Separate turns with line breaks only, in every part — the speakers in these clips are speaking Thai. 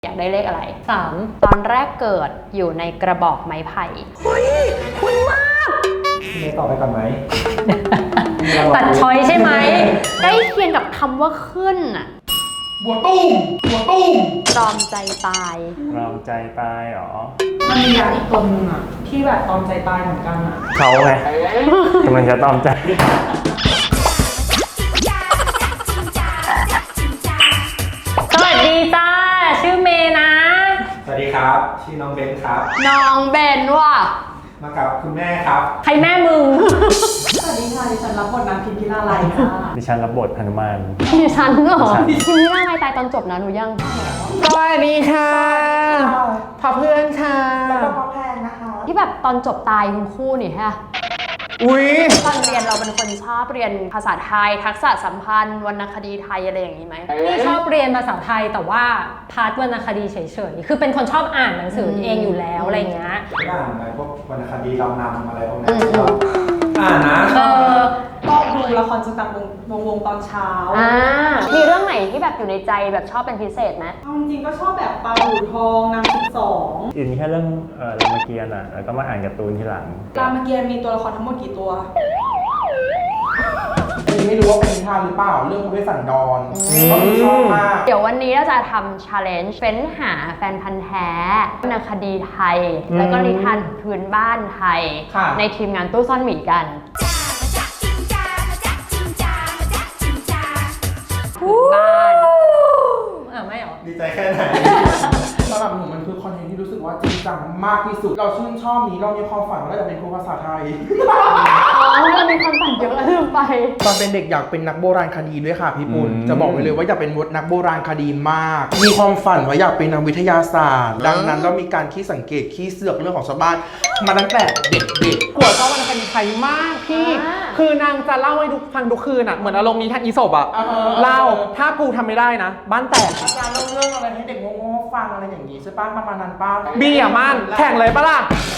อยากได้เลขอะไร3ตอนแรกเกิดอยู่ในกระบอกไม้ไผ่เฮ้ยคุณมาก
ไม่ตอบไปก่อนไหม
ตัดช้อยใช่ไหมใกล้เคียงกับคำว่าขึ้นอ่ะ
บัวตุ้ม
ตรอมใจตาย
ตรอมใจตายหรอ
มันมีอย่างอีกตัวนึงอ่ะที่แบบตรอมใจตายเหมือนกันอ่ะ
เขาไงกำลังจะตรอมใจ
สวัสดีจ้าชื่อเมย์นะ
สวัสดีครับชื่อน้องเบนครับ
น้องเบนว่ะ
มากับคุณแม่ครับ
ใครแม่มึง
สวัสดีค่ะดิฉันรับบทนางพิมพิลาไลค่ะ
ดิฉันรับบทหนุมาน
ดิฉันเหรอพิมพิลาไลตายตอนจบนะหนูยัง
สวัสดีค่ะพ่อเพื่อนค่ะ
แล้วก็พ่อแพงนะคะ
ที่แบบตอนจบตายทั้งคู่นี่ฮะ
อุ๊ย
ตอนเรียนเราเป็นคนชอบเรียนภาษาไทยทักษะสัมพันธ์วรรณคดีไทยอะไรอย่างนี้ไหม
นี่ชอบเรียนภาษาไทยแต่ว่าพาร์ทวรรณคดีเฉยๆคือเป็นคนชอบอ่านหนังสือเองอยู่แล้วอะไรเงี้ย
อ่านอะไรพวกวรรณคดีเรานำอะไรพวกนี้อ่านนะ
ก็ดูละครจักรวงตอนเช้า
มีเรื่องไหนที่แบบอยู่ในใจแบบชอบเป็นพิเศษไหม
จริงๆก็ชอบแบบปลาบู่ทองนาง12
อินแค่เรื่องรามเกียรติ์อ่ะแล้วก็มาอ่านการ์ตูนทีหลัง
รามเกียรติ์มีตัวละครทั้งหมดกี่ตัว
ไม่รู้ว่าเป็นนิทานหรือเปล่าเรื่องพระเวสสันดรก็ชอบมาก
เดี๋ยววันนี้เราจะทำ challenge เฟ้นหาแฟนพันธ์แท้วรรณคดีไทยแล้วก็นิทานพื้นบ้านไทยในทีมงานตู้ซ่อนหมีกันบ้าน
ไม่หรอ
ดีใจแค่ไหน
สำหรับหนูมันคือคอนเทนต์ที่รู้สึกว่าจริงจังมากที่สุดเราชื่นชอบนี้เรามีความฝันว่าเราจะเป็นครูภาษาไทย
เรามีความฝันเยอะลืมไป
ตอนเป็นเด็กอยากเป็นนักโบราณคดีด้วยค่ะพี่ปุณจะบอกไว้เลยว่าอยากเป็นนักโบราณคดีมากมีความฝันว่าอยากเป็นนักวิทยาศาสตร์ดังนั้นเรามีการขี้สังเกตขี้เสือกเรื่องของชาวบ้านมาตั้งแต่เด็กๆ
กลัวชอบวรรณคดีไทยมากพี่คือนางจะเล่าให้ฟังทุกคืนอ่ะเหมือนอารมณ์นี้ท่านอีศบอ่ะเล่าถ้ากูทำไม่ได้นะบ้านแตก
อาจารย์เล่าเรื่องอะไรให้เด็กโง่ๆฟังอะไรอย่างนี้ใช่ป้ะประมาณนั้นป้า
บีอ่ะมันแข่งเลยปะล่ะ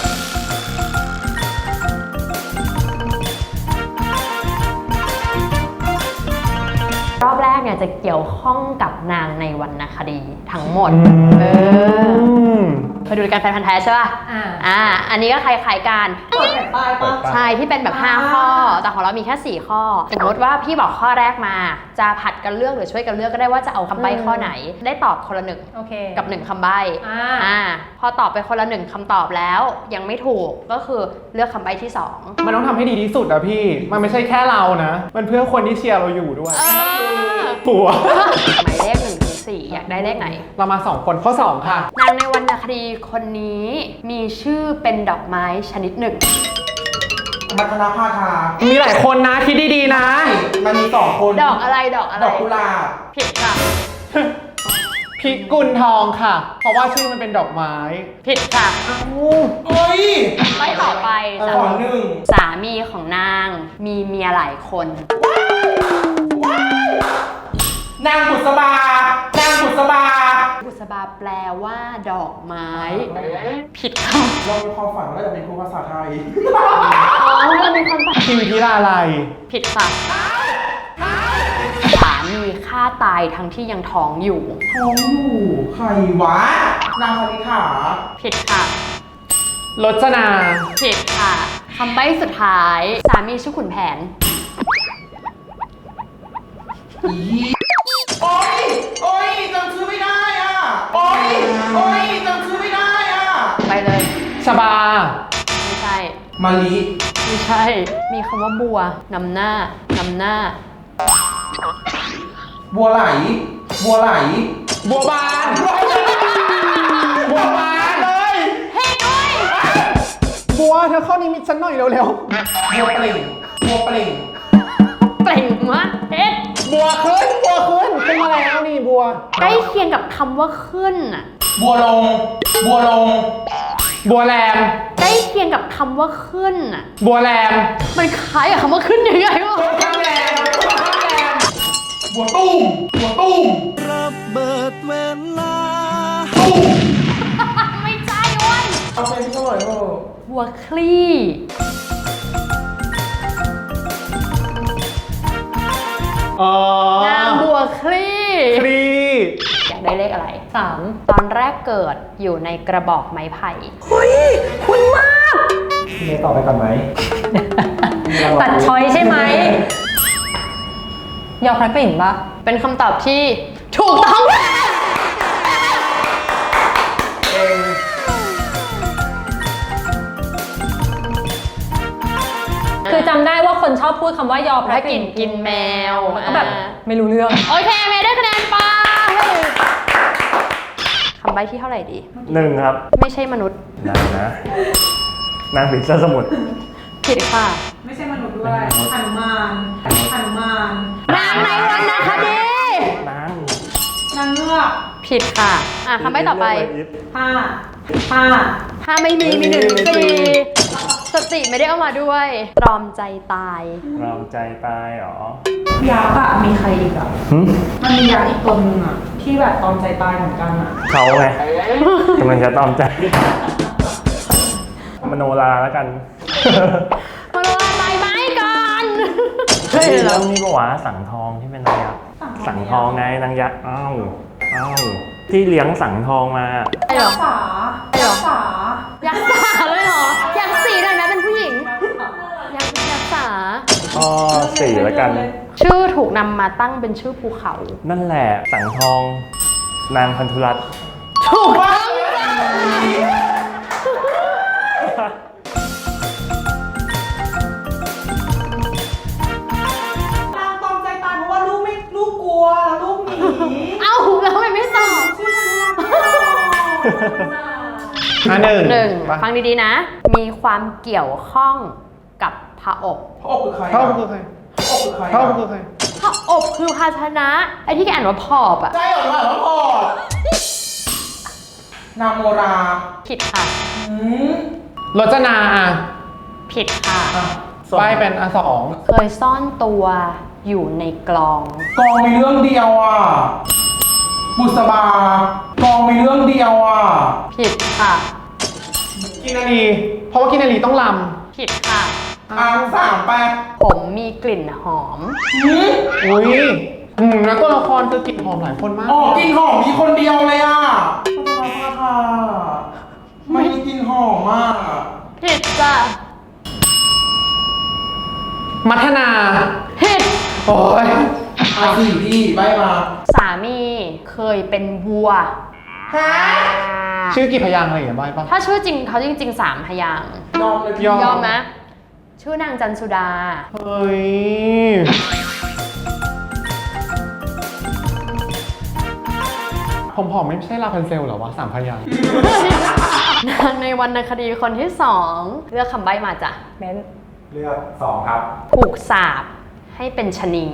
รอบแรกเนี่ยจะเกี่ยวข้องกับนางในวรรณคดีทั้งหมดเคยดูรายการแฟนพันธ์แท้ใช่ป่ะอันนี้ก็คล้ายๆกัน
เปิดแผ่นป้ายป่ะ
ใช่ที่เป็นแบบ5ข้อแต่ของเรามีแค่4ข้อสมมติว่าพี่บอกข้อแรกมาจะผัดกันเลือกหรือช่วยกันเลือกก็ได้ว่าจะเอาคำใบ้ข้อไหนได้ตอบคนละ1กับ1คำใบ้พอตอบไปคนละ1คำตอบแล้วยังไม่ถูกก็คือเลือกคำใบ้ที่2
มันต้องทำให้ดีที่สุดอะพี่มันไม่ใช่แค่เรานะมันเพื่อคนที่เชียร์เราอยู่ด้วยผัว
หมายเลข1 ถึง 4อยากได้เลขไหน
เรามา2คนข้อ2ค่ะ
นางในวรรณคดีคนนี้มีชื่อเป็นดอกไม้ชนิดหนึ่ง
มัทนาภาคา
มีหลายคนนะคิดดีๆนะ
มันมี2คน
ดอกอะไรดอก
กุหลาบ
ผิดค่ะ
พิกุลทองค่ะเพราะว่าชื่อมันเป็นดอกไม้
ผิดค่ะ
เฮ้ย
ไม่ต่อไป
ข้อ1
สามีของนางมีเมียหลายคน
นางบุษบานางบุษบา
บุษบาแปลว่าดอกไม้ผิดค่ะ
เรามีความฝันว่าจะเป็นครูภาษาไทย
เรามีความฝัน
พิมพิลาไล
ผิดค่ะสามีฆ่าตายทั้งที่ยังท้องอยู่
ใครวะนางคณิษฐา
ผิดค่ะ
รจนา
ผิดค่ะคำใบ้สุดท้ายสามีชื่อขุนแผน
โอ๊ยจำชื่อไม่ได้อ่ะโอ๊ยจำชื่อไม่ได้อ่ะ
ไปเลย
ชบา
ไม่ใช่
มาลิ
ไม่ใช่มีคำว่าบัวนำหน้า
บัวไหล
บัวบานบัวบาน
เลยเฮ้ยด้วย
บัวเธอข้อนี้มิดฉันหน่อยเร็ว
บัวเปล่ง
เปล่งมะเฮ็ด
บัวขึ้นมาแล้วนี่บัว
ใกล้เคียงกับคำว่าขึ้นอ่ะ
บัวลง
บัวแรม
ใกล้เคียงกับคำว่าขึ้นอ่ะ
บัวแรม
มันคล้ายกับคำว่าขึ้นยังไงวะ
ข้างแรมบัวตุ้มระเบิดเวลา
ไม่ใช่เว้ย
เอาเป็นเท่าไหร่
บัวคลี่นางบัวคลี่
อย
ากได้เลขอะไร
3
ตอนแรกเกิดอยู่ในกระบอกไม้ไผ่
พี่เมย์ตอบไปก่อนไหม
ตัดช้อยใช่ไหมยอพระกลิ่นปะ
เป็นคำตอบที่ถูกต้อง
คือจำได้ว่าคนชอบพูดคำว่ายอพ
พ
ระ
ระ
ก
ก
ลิ่
ลิ่
น
นกินแมว
แล้วก็แบบไม่รู้เรื่อง
โอเคเมย์ได้คะแนนไปคำใบ้ที่เท่าไหร่ดี
1 ครับ
ไม่ใช่มนุษย์
นางนะ นางผีเสื้อสมุทร
ผิดค่ะ
ไม่ใช่มนุษย์ด้วยหนุมานหนุมาน
นางในวรรณคดี
นาง
นางเงือก
ผิดค่ะคำใบ้ต่อไป
ผ้า
ถ้าไม่มีมี1 4สติไม่ได้เอามาด้วยตรอมใจตาย
รอมใจตายเหรอ
ยักษ์อะมีใครอีกอะ
หึ
มันมียักษ์อีกตัวนึงอะที่แบบตอมใจตายเหมือนกันอะ
เขาไงกำลังจะตอมใจ มโนราแล้วกัน
มาลงใบไม้ก่อน
เฮ้ยแล้วนี่ก็หวาสังทองที่เป็นนางยักษ์สังทองไงนางยักษ์อ้าวที่เลี้ยงสังทองมา
ไอ้เหร
ยั
อก
ษ์สายักษ์สา
ยักษ์สาเลยเหรอ ยักษ์สีหน่อยไหมเป็นผู้หญิง ยักษ์สา
ก็4แล้วกัน
ชื่อถูกนำมาตั้งเป็นชื่อภูเขา
นั่นแหละสังทอง นางพันธุรัตน์
ถูกต้อง
นางตอมใจตายเพราะว่าลูกกลัวแล้วลูกหนี
เอ้าแล้วทำไมไม่ตอบ
ชื่อมันว่า
หนึ่งฟังดีๆนะ มีความเกี่ยวข้องกับพระอบ
พระอบคือใคร
เท่าคือใคร
พระอบคือใคร
เท่าคือใคร
พระอบคือภาชนะ ไอ้ที่แกอ่านว่าพอบอะ
ใช่เหรอว่าพอบนางโมรา
ผิดค่ะ
รจนาอ่ะ
ผิดค่ะ
ใบเป็นอัน2
เคยซ่อนตัวอยู่ในกลอง
กองมีเรื่องเดียวอ่ะ บุษบากองมีเรื่องเดียวอ่ะ
ผิดค่ะ
กินนารีเพราะว่ากินนารีต้องล
ผิดค่ะ
3
ผมมีกลิ่นหอม
ำอุ้ยแล้วตัวละครคือกลิ่นหอมหลายคนมาก
8อ๋อกลินหอมมีคนเดียวเลยอ่ะไม่มีกลินหอมมาก
ผิดจ้ะ
มัทนา
ผิด
โอ้ย
สี่พี่ใบมา
สามีเคยเป็นวัว
ชื่อกี่พยางค์อะไรอย่างเงี้ยใบปะ
ถ้าชื่อจริงเขาจริงๆ3 พยางค์
ยอมเลย
ยอม
ยอมไหมชื่อนางจันสุดา
เฮ้ย ผมผอมไม่ใช่ลาพันเซลเหรอวะ3 พยางค์
นางในวรรณคดีคนที่ 2 เลือกคำใบ้มาจ้ะ
เม้น
เลือก2 ครับ
ถูกสาปให้เป็นชะนี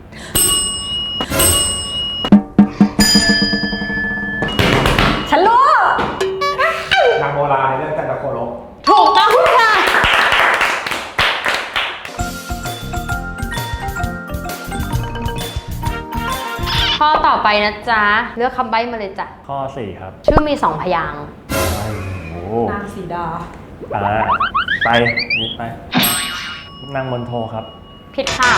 ฉันรู้
นางโมราในเรื่องจันทโคลบ
ถูกต้องค่ะ ข้อต่อไปนะจ๊ะ เลือกคำใบ้มาเลยจ้ะ
ข้อ 4 ครับ
ชื่อมี 2 พยางค์
โอ้โห
นางสีดา
ไปนี่ไป นางมนโทครับ
ผิดค่ะ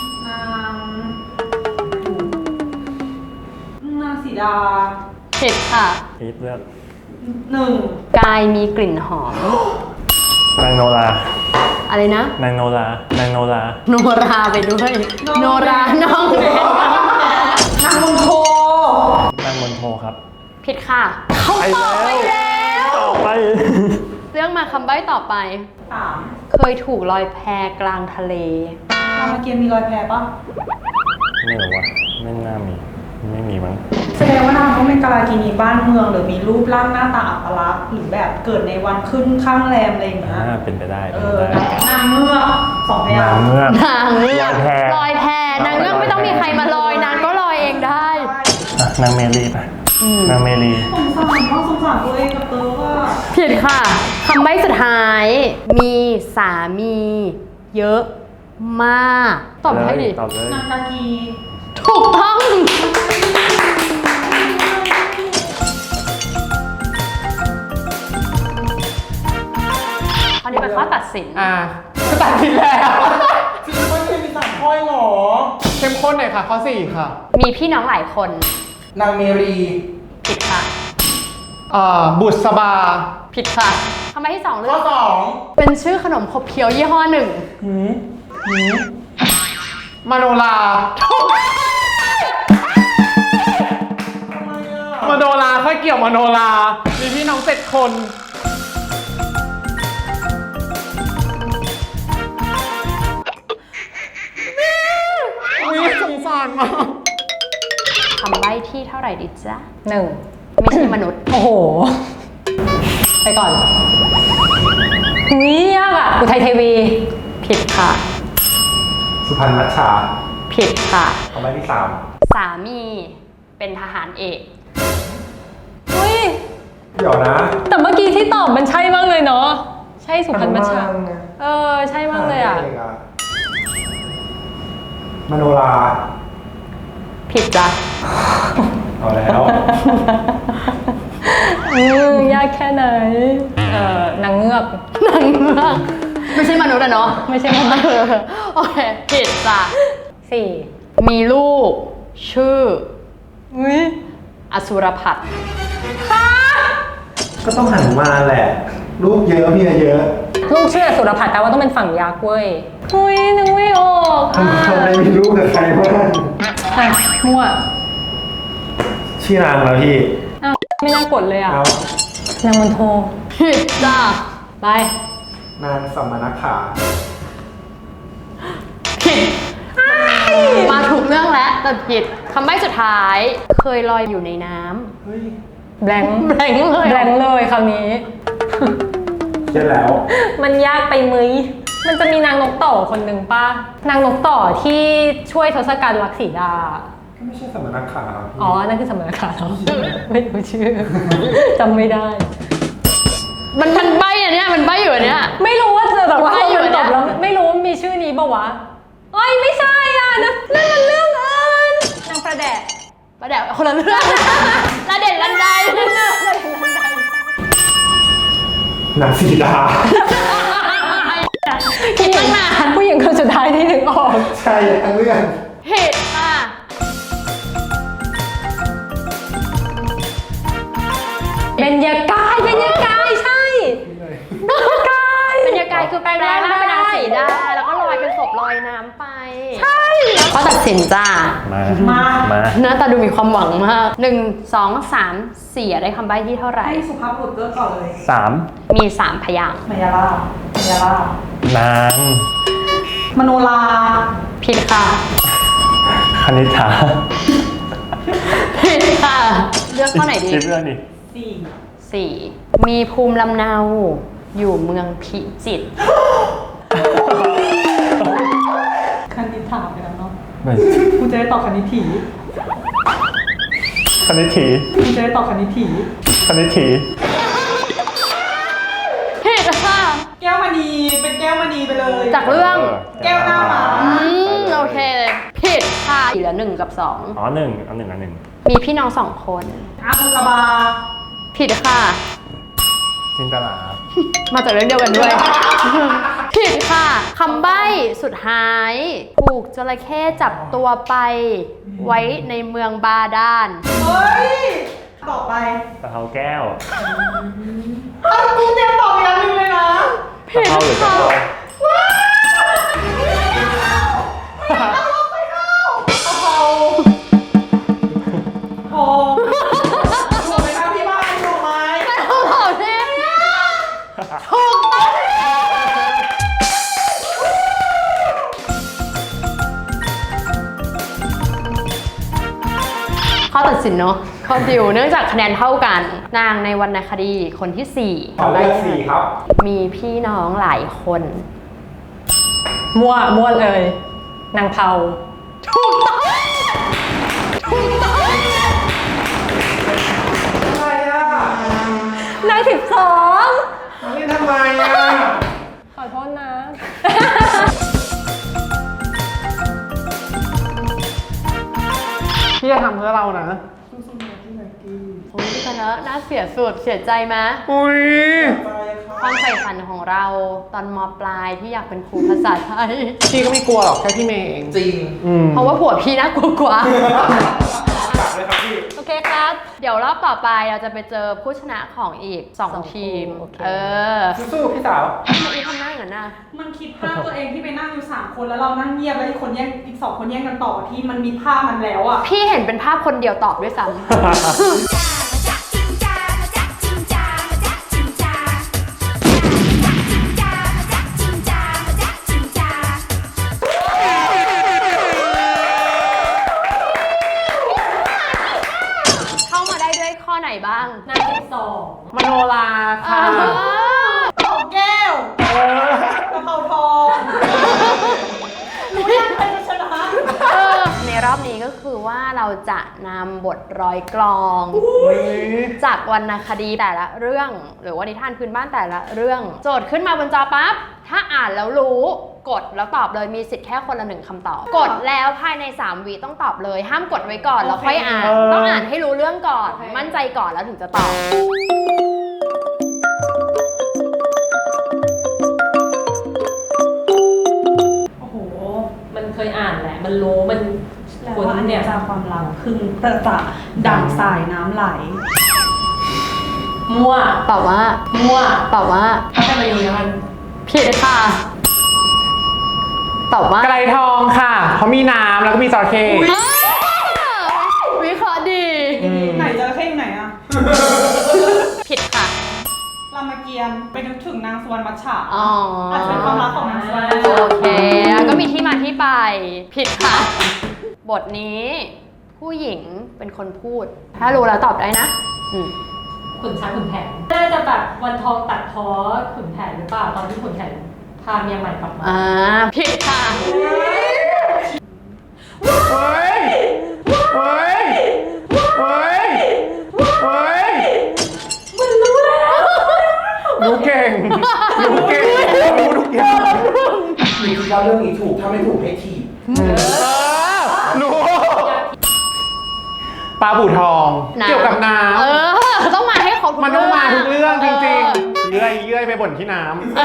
นางสีดา
ผิดค่ะ
พีทเลือก
1
กายมีกลิ่นหอม
นางโนรา
อะไรนะ
นางโนรา นางโนรา
โนราไปด้วย โนราน้องเบน
นางมนโท
นางมนโทครับ
ผิดค่ะเขาตอบไปแล้ว
ต่อไป
เรื่องมาคำใบ้ต่อไป
3
เคยถูกลอยแพกลางทะเล
รามเกียรติ์มีรอยแพปะ
ไม่รู้ว่าไม่น่ามี ไม่มีมั้ง
แสดงว่านางต้องเป็นกาลากินีบ้านเมืองหรือมีรูปร่างหน้าตาอัปลักษณ์หรือแบบเกิดในวันขึ้นข้างแรมอะไรอย่างเงี้ย
เป็นไปได้
เอ
เป็นไป
อ
ได้
นางเงือก2 พยาน
าง
งค์
เงือก
นางเงือก
ลอยแพ
ลอยแพนางเงือกไม่ต้องมีใครมาลอยนางก็ลอยเองได้
อ่ะนางเมลีไปนางเมลี
สงสารมากสงสารตัวเองกับเตอว่า
ผิดค่ะคำใบ้สุดท้าย มีสามีเยอะมากตอบให้ดิ
ตอบเลย
นางกากี
ถูกต้องอันนี้เป็นข้อตัดสิน
ก็ตัดสินแล้ว
จริงไม่เคยมี3 ข้อหรอ
เข้มข้นหน่อยค่ะ ข้อ 4 ค่ะ
มีพี่น้องหลายคน
นางเมรี
ผิดค่ะ
บุษบา
ผิดค่ะคำใบ้ที่สองเลื
ข้
อ
อก สอง
เป็นชื่อขนมขบเคี้ยวยี่ห้อหนึ่ง
มโนรา มโนราค่อยเกี่ยวมโนรา มีพี่น้อง7 คนอุ๊ยสงสารมาก
คำใบ้ที่เท่าไหร่ดิจ๊ะ
1
ไม่ใช่มนุษย์
โอ้โห ไปก่อนนี่ยากอ่ะอุทัยเทวี
ผิดค่ะ
สุพรรณมัชชา
ผิดค่ะ
คำใบ้ที่
สามีเป็นทหารเอก
อุ้ย
3 เดี๋ยวนะ
แต่เมื่อกี้ที่ตอบมันใช่มากเลยเนาะ ใช่สุพรรณมัชชาใช่มากเลยอ่ะ
มโนรา
ผิดจ้ะ
เอาแล้ว
ยากแค่ไหน นางเงือก
นางเงือกไม่ใช่มนุษย์อะเนาะ
ไม่ใช่มนุษย์
โอเคผิดจ้ะ
4
มีลูก ชื่อ
อุ้ย
อสุรพัฒน์
ก็ต้องหันมาแหละ ลูกเยอะเมียเยอะ
ลูกชื่อสุรพัฒน์แปลว่าต้องเป็นฝั่งยักษ์เว้ยอุ้ยนึกไม่ออก
ทำไมมีลูกกับใครบ้าง
อ่ะมั่ว
ชื่อนางแล้วพี่
อ้าวไม่น่ากดเลยอ่ะ
เอา
นางมนโท
ผิดจ้ะ
ไป
นางสัมมนักขา
ผิดมาถูกเรื่องแล้วแต่ผิดคำใบ้สุดท้าย เคยลอยอยู่ในน้
เฮ้ย
แบงค์
ำแบงค์เลย
แบงค์เลยคราวนี้
เช่นแล้ว
มันยากไปมั้ยมันจะมีนางนกต่อคนหนึ่งป่ะ นางนกต่อที่ช่วยทศกัณฐ์รักสีดา
ก็ไม่ใช่สัมมนักขาพี่
อ๋อ นั่นคือสมณคาแล้วไม่รู้ชื่อ จำไม่ได้
มันใบ้อะเนี่ยมันใบ้อยู่อะเนี่ย
ไม่รู้ว่าแต่ว่า
ไม่อยู่
มัน
เนี่
ต
ย
บแล้วไม่รู้ว่ามีชื่อนี้ป่าวะเอ้ยไม่ใช่อ่ะนั่นมันเรื่องอื่นนางประแดะ
ประเดี๋ยวคนละเรื่องละเด่นลันได
นางสีดา
คิดตั้งนาน
ผู้หญิงคนสุดท้ายที่นึกออก
ใช่ทั้งเรื่อง
ผิดค่ะ
เบญญากายใช่
บรรยากาศคือแปลงร่างเป็นนางสีดาแล้วก็ลอยเป็นศพลอยน้ำไป ใช่เขาตัดสินจ้า
มา
หน้าตาดูมีความหวังมาก1 2 3 4ได้คำใบ้ที่เท่าไหร่
ให้สุภาพบุรุษเลือกก่อนเลย
3
มี 3 พยางค์
มายาลาบมายาลาบ
นาง
มโนรา
ผิดค่ะ
คณิษฐา
ผิดค่ะ เลือกข้อไหนดี
คิดเรื่องดิ
4 มีภูมิลำเนาอยู่เมืองพิจิตร
คณิตถามไปแล้วเนาะ
ไม่
กูจะได้ตอบคณิตถี
คณิตถี
กูจะได้ตอบคณิตถี
คณิตถี
ผิดค่ะ
แก้วมณีเป็นแก้วมณีไปเลย
จากเรื่อง
แก้วหน้าหมา
โอเค ผิดค่ะเหลือ1 กับ
อ๋อ1เอา1
2 มีพี่น้อง 2 คน
อาบุกบา
ผิดค่ะ
จินตลา
มาจากเรื่องเดียวกันด้วย ผิดค่ะคำใบ้สุดท้ายถูกจระเข้จับตัวไป ไว้ในเมืองบาดาล
เฮ้ย ต่อไป
ตะเภาแก้ว
กูเตรียมตอบอีกอันหนึงเลยนะ
ตะเภาหรือกะเพรา
โอ้ถูกไหมครับพี่บ้านถูกไหม
ถูกต้องเลยถูกต้องข้อตัดสินเนาะข้อดิวเนื่องจากคะแนนเท่ากัน นางในวรรณคดีคนที่ 4
ขอเลือก4ครับ
มีพี่น้องหลายคน
มั่วเลย นางเผา
ถูกต้อง
ทำไมอ่ะ
นาง12
นี่ทำไมอ่ะ
ขอโทษนะ
พี่จะทำเพื่อเรานะ
โอ้ยชนะน่าเสียสุดเสียใจไหม
อุ้ย
ความใฝ่ฝันของเราตอนมปลายที่อยากเป็นครูภาษาไทย
พี่ก็ไม่กลัวหรอกแค่พี่เมย์เอง
จริง
อืม
เพราะว่าผัวพี่น่ากลัวกว่า
ากด้วยครับพี่
โอเคครับ
เดี๋ยวรอบต่อไปเราจะไปเจอผู้ชนะของอีก
สอง
2 ทีม
โอเค
สู้ๆพี่สาว
ทำไมอีทำหน้าอย่างนั้นน่ะ
มันคิดภาพตัวเองที่ไปนั่งอยู่3 คนแล้วเรานั่งเงียบแล้วอีก 2 คนแย่งกันต่อที่มันมีภาพมันแล้วอ่ะ
พี่เห็นเป็นภาพคนเดียวตอบด้วยซ้ำ เข้ามาได้ด้วยข้อไหนบ้าง
นาง12
มโนราค่ะ
เอาแก้วกระเพราทองรู้ยังใครจะชนะ
ในรอบนี้ก็คือว่าเราจะนำบทร้อยกลอง จากวรรณคดีแต่ละเรื่อง หรือว่านิทานพื้นบ้านแต่ละเรื่อง โจทย์ขึ้นมาบนจอปั๊บ ถ้าอ่านแล้วรู้กดแล้วตอบเลยมีสิทธิ์แค่คนละ1 คำตอบ กดแล้วภายใน3 วิต้องตอบเลย ห้ามกดไว้ก่อนแล้วค่อยอ่าน ต้องอ่านให้รู้เรื่องก่อน มั่นใจก่อนแล้วถึงจะตอบ
โอ้โห
มันเคยอ่านแหละ มันรู้ มัน
แล้วว่าอันเนี้ยจากความรักพึ่งประจักษ์ดั่งสายน้ำไหล
มั่ว
ตอบว่า
มั่ว
ตอบว่า
ถ้าจะมาอยู่ในมัน
ผิดค่ะ ตอบว่า
ไกรทองค่ะเพราะมีน้ำแล้วก็มีจระเข้
วิเคราะห์ดี
ไหนจระเข้อยู่ไหนอะ
ผิดค่ะ
รามเกียรติ์ไปนึกถึงนางสวรรณมัชฉะ
อ๋อ
อาจจะเป็นความรักของนางสวรรณมัช
โอ
ฉะ
เคแล้วก็มีที่มาที่ไป ผิดค่ะ บทนี้ผู้หญิงเป็นคนพูด ถ้ารู้แล้วตอบได้นะ
ขุนช้างขุนแผนน่าจะแบบวันทองตัดพ้อขุนแผนหรือเปล่า ตอนที่ขุนแผนพาเมียใหม่กลับมา
ผิดค่ะ
เฮ้ย เฮ้ย เฮ้ย เฮ้ย
มันรู้แล้ว
รู้เก่ง รู้เก่ง รู้ทุกอย่าง
หรือเราเรื่องนี้ถูกถ้าไม่ถูกให้ถีบ
รู้ปลาบู่ทอง
น้ำ
เกี่ยวกับน้
ต้องมาให้ครบทุก
ำมันต้องมาทุกเรื่องจริง
ๆ
ๆเยื่อยไปบ่นที่น้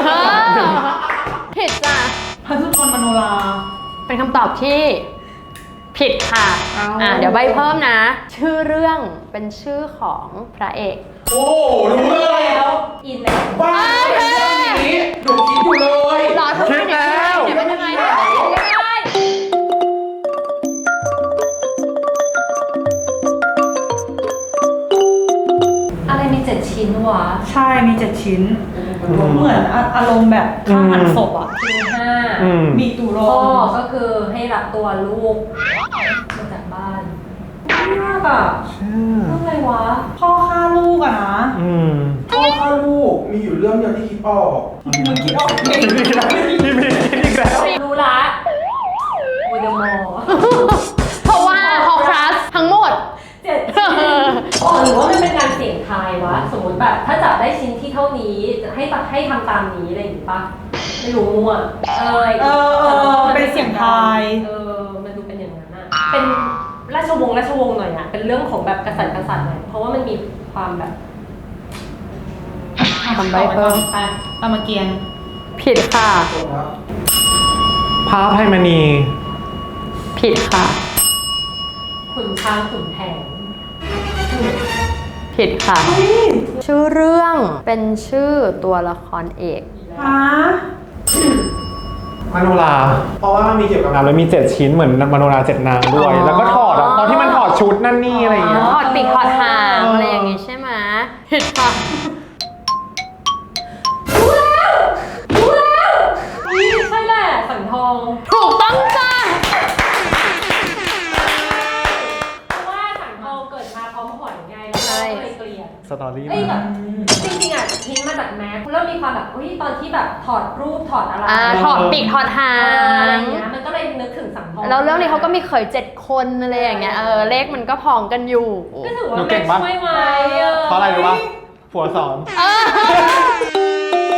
ผิดจ้ะ
พระสุทนมโนรา
เป็นคำตอบที่ผิดค่ะ เดี๋ยวใบเพิ่มนะ ชื่อเรื่องเป็นชื่อของพระเอก
โอ้รู้เลย
แล้วอินแล้ว
บ้าเรื่องนี้หนูคิดอยู่เลย
รอทุกคนเดี๋ยวเป็นยังไงเนี่ย
อะไรมี7 ชิ้นวะ
ใช่มี7 ชิ้น เหมือนอารมณ์แบบข้างหันศพอ่ะ
ชิ้น
ำ
มีตุโร
5พ่อก็คือให้รับตัวลูกมาจากบ้านมากอ่ะเรื่องอะไรวะ
พ่อฆ่าลูกอะนะ
พ่อฆ่าลูกมีอยู่เรื่องเดียวที่คิดออก
มึงคิดออกเอง
พี่มีคิดอีกแล้ว
รู้ละโมเดลมอ
เพราะว่าฮอครัสทั้งหมด
7 ชิ้นหรือว่ามันเป็นการเสี่ยงทายวะ สมมติแบบถ้าจับได้ชิ้นที่เท่านี้จะให้ทำตามนี้อะไรอย่างงี้ปะไม่รู้มั่ว
เป็นเสียงทาย
มันดูเป็นอย่างนั้นอะเป็นราชวงศ์หน่อยอะเป็นเรื่องของแบบกษัตริย์หน่อยเพราะว่ามันมีความแบบ
ทำใบเพิ่ม
ไป
รามเกียรติ์
ผิดค่ะ
พระอภัยมณี
ผิดค่ะ
ขุนช้างขุนแผน
ผิดค่ะ ชื่อเรื่องเป็นชื่อตัวละครเอก
ฮะ
มโนรา
เพราะว่ามีเกี่ยวกับ
แล้วมี7 ชิ้นเหมือนมโนรา7 นางด้วย
อ๋อ
แล้วก็ถอดอะตอนที่มันถอดชุดนั่นนี่อะไรอย่างเงี้ย
ถอดปีกถอดหางอะไรอย่างงี้ใช่ไหมผิดค่ะ
ใช่แหละสังทอง
ถูกต้องจ้า
เพราะว่าสังทองเกิดมาพร้อมหอยไงแล้วก็เลยเกลียด
สตอรี่
เอ้ยแบบจริงๆอ่ะทิ้งมาจากแม็กแล้วมีความแบบตอนที่แบบถอดรูปถอดอะไร
ถอดปีกถอดหา
อะไร
ง
เงี้ยมันก็เลยนึกถึงสังทอง
แล้วเรื่องนี้เขาก็มีเขย7 คนอะไรอย่างเงี้ยเลขมันก็พองกันอยู่
ก็ถือว่า
หนูเก่
แม็
ง
ก
ปะ
ช่วยไว้
เพราะอะไรรู้ปะผัวสอน
เออ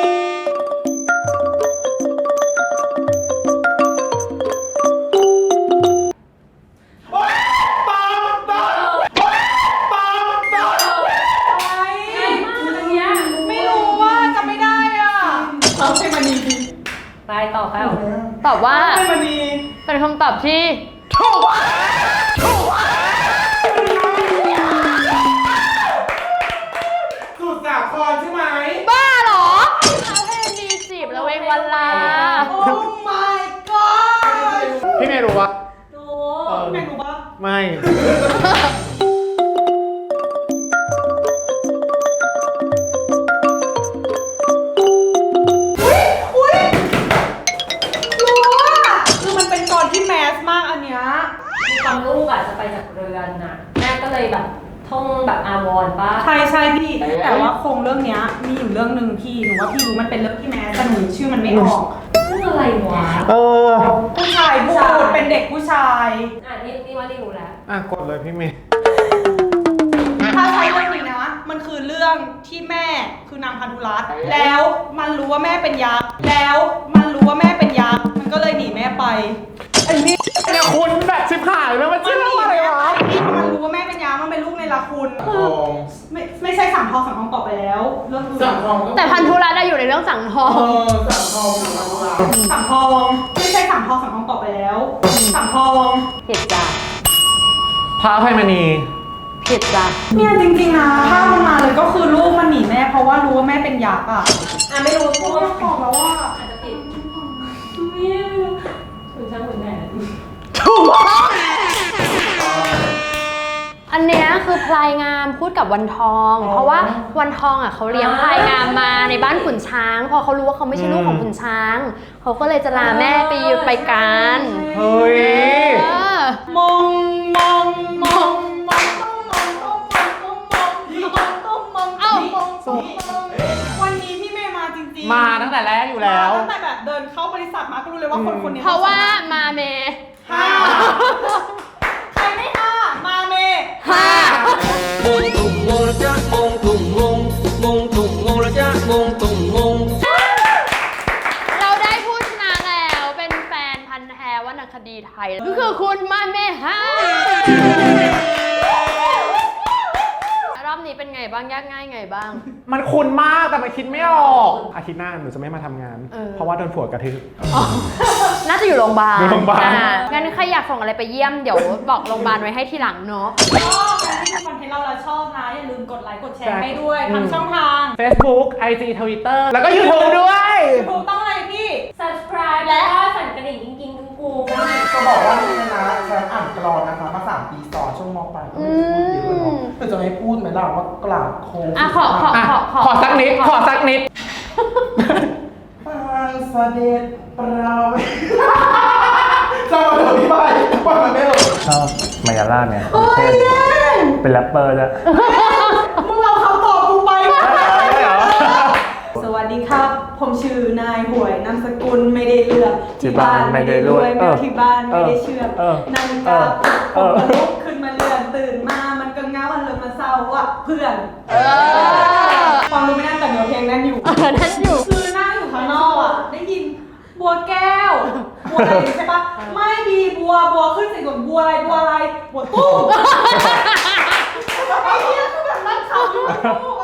ต่อไป
ตอบว่า
ไม่มันมี
เป็นคำตอบที่ถูก
มุทรสาครใช่ไหม
บ้าเหรอเขาให้มีจีบแล้วเองวันลา
โอ้ my god
พี่เมย์รู้ปะ
รู้
ไม่รู้ปะ
ไม่
อุ้ยรู้อ่ะคือมันเป็นกรที่แมสมากอันเนี้ย
ตอนลูกอ่ะจะไปจากเรือนน่ะแม่ก็เลยแบบท่องแบบอาวรณ์ป่ะ
ใช่ใช่พี่ แต่ว่าโครงเรื่องเนี้ยมีอยู่เรื่องหนึ่งพี่หนูว่าพี่รู้มันเป็นเรื่องที่แมสแต่หนูชื่อมันไม่ออก
เรื่องอะไรวะ
เออ
ผู้ชายพูดเป็นเด็กผู้ชาย
นี่ว่านี่รู้แล้ว
อ่ะกดเลยพี่เมย์
ถ้าใช้เรื่องนี้นะ มันคือเรื่องที่แม่คือนางพันธุรัตน์แล้วมันรู้ว่าแม่เป็นยักษ์แล้วมันรู้ว่าแม่เป็นยักษ์มันก็เลยหนีแม่ไป
ไอ้นี่เนี่ยคุณแบบชิบหายแล้วมัน
มัน
ชื่อ
หนี
อะไร
แม่
วะ
ไปมันรู้ว่าแม่เป็นยักษ์มันเป็นลูกในละคุณ
ทอง
ไม่ใช่สังทองสังทองต่อไปแล้วเรื่องอื่น
สั่งทองก็
แต่พันธุรัตน์อะอยู่ในเรื่องสังทอง
สั่งทองอยู่แล้ว
สังทองไม่ใช่สังทองสังทองต่อไปแล้วสังทอง
ผิดจ้ะ
พระอภัยมณี
ผิดจ้ะ
เนี่ยจริงๆนะภาพมันมาเลยก็คือลูกมันหนีแม่เพราะว่ารู้ว่าแม่เป็นยักษ์อ่ะ
ไม่รู้พูด
บอกแล้วว่า
อาจจะผิดไม่รู้ถึงช่างถึงไหน
อันเนี้ยคือพลายงามพูดกับวันทอง เพราะว่าวันทองอ่ะเขาเลี้ยงพลายงามมาในบ้านขุนช้าง พอเขารู้ว่าเขาไม่ใช่ลูกของขุนช้าง เขาก็เลยจะลาแม่ไปกัน
เฮ้ย
เออ
มองมองมองมองต้องมองต้องมองต้องมองต้องมอง
เอ้า
วันนี้พี่เมย์มาจริงๆ
มาตั้งแต่แรกอยู่แล้ว
ตั้งแต่แบบเดินเข้าบริษัทมาก็รู้เลยว่าคนนี้
เพราะว่ามาเม
ห้าใครไม่ห้ามาเมย์
ห้า
Mông tùng ngô là cha mông tùng ngông mông tùng ngô là cha mông tùng ngông
เราได้ผู้ชนะแล้วเป็นแฟนพันธ์แท้วรรณคดีไทยก็คือคุณมาเมห้ารอบนี้เป็นไงบ้างยากง่ายไงบ้าง
มันคุ้นมากแต่มันคิดไม่ออกอาทิตย์หน้าหนูจะไม่มาทำงาน เพราะว่าโดนผัวกระทืบ
น่าจะอยู่โรงพยาบาล
อยู่โรงพยาบาล
งั้นใครอยากส่งอะไรไปเยี่ยมเดี๋ยวบอกโรงพยาบาลไว้ให้ทีหลังเนาะ
ชอบการที่คอนเทนต์เราแล้วชอบนะอย่าลืมกดไลค์กดแชร์ให้ด้วยทางช่องทาง
Facebook IG Twitter แล้วก็ YouTube ด้วย
ถูกต้องอะไรพี่
subscribe และสั่นกระดิ่งกิ้งๆกุ้งๆนะ
จะบอกว่านี่นะแชมป์อ่านกรอนนะคะมา3 ปีซ้อนช่วงมปลายก็ไม่พูดเยอะเนาะแต่จะให้พูดไหมล่ะว่ากราบโค้ง
อ่ะขอ
ขอสักนิด ขอสักนิด
ปางเสด็จเราเจ้าเดี๋ยวพี่ไปว่ามันไม่หรอก
ชอบมายาลาเนี่ยเท่เป็นแรปเปอร์ด้วย
มึงเอาคำตอบกูไป
ได้เหรอ
สวัสดีครับ ผมชื่อนายหวยนามสกุลไม่ได้เลือก
ที่บ้านไม่ได้รวย
แม่ที่บ้านไม่ได้เชื่อม
เออ
นาฬิกาผมก็ลุกขึ้นมาเลื่อนตื่นมามันก็ง้าวันเลยมาเศร้าอ่ะเพื่อนฟังรู้ไม่น่าแต่เนื้อเพลงนั่นอยู่
นั่นอยู่
คือนั่งอยู่ข้างนอกอ่ะ ได้ยินบัวแก้ว บัวอะไรใช่ปะไม่ดีบัวขึ้นเสียงก่อนบัวอะไรบัวตุ้มไอ้เหี้ยคือแบบนั่งขับอยู่